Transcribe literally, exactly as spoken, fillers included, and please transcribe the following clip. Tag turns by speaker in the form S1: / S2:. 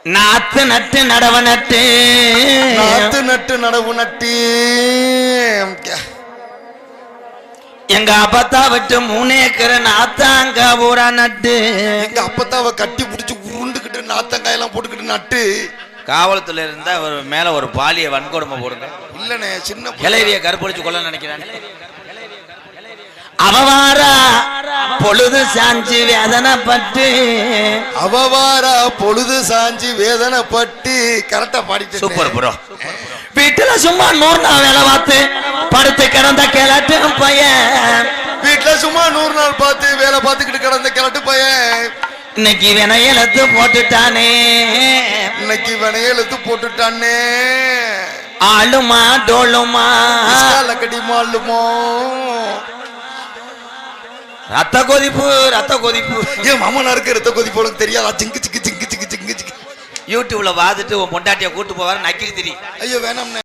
S1: நாத்து நட்டு நடவு நட்டு
S2: நாத்து நட்டு நடவு நட்டு
S1: எங்க அப்பத்தா விட்டு மூணு ஏக்கர் நாத்தாங்க ஊரா நட்டு
S2: எங்க அப்பத்தாவை கட்டி பிடிச்சி உருண்டுக்கிட்டு நாத்தங்காய் எல்லாம் போட்டுக்கிட்டு நட்டு
S1: காவல்துறை இருந்தா ஒரு மேல ஒரு பாலிய வன்கொடுமை போடுங்க.
S2: இல்லனே சின்ன
S1: கிளறிய கருப்படிச்சு கொள்ள நினைக்கிறாங்க. அவவாரா பொழுது சாஞ்சி வேதனைப்பட்டு
S2: அவவாரா பொழுது சாஞ்சி வேதனைப்பட்டு கரெக்டா பாடிட்டு
S1: சூப்பர் ப்ரோ. வீட்டுல சும்மா நூறு நாள் வேலை பார்த்து படுத்து கிடந்த கிளட்டு பையன்
S2: வீட்டுல சும்மா நூறு நாள் பார்த்து வேலை பார்த்துக்கிட்டு கிடந்த கிளட்டு பையன்
S1: இன்னைக்கு வினையெழுத்து போட்டுட்டானே
S2: இன்னைக்கு வினையெழுத்து போட்டுட்டானே
S1: ஆளுமா டோளுமா
S2: கடி மாளுமோ
S1: ரத்த கொதிப்பு ரத்த கொதிப்பு
S2: ஏன் மாமனாருக்கு ரத்த கொதிப்பு உனக்கு தெரியாதா? சிங்கு சிங்கு சிங்கு சிங்கு சிங்கு சிங்கு
S1: யூடியூப்ல பார்த்துட்டு உன் பொண்டாட்டிய கூட்டு போவாரு நக்கிரி திரி.
S2: ஐயோ வேணாம்.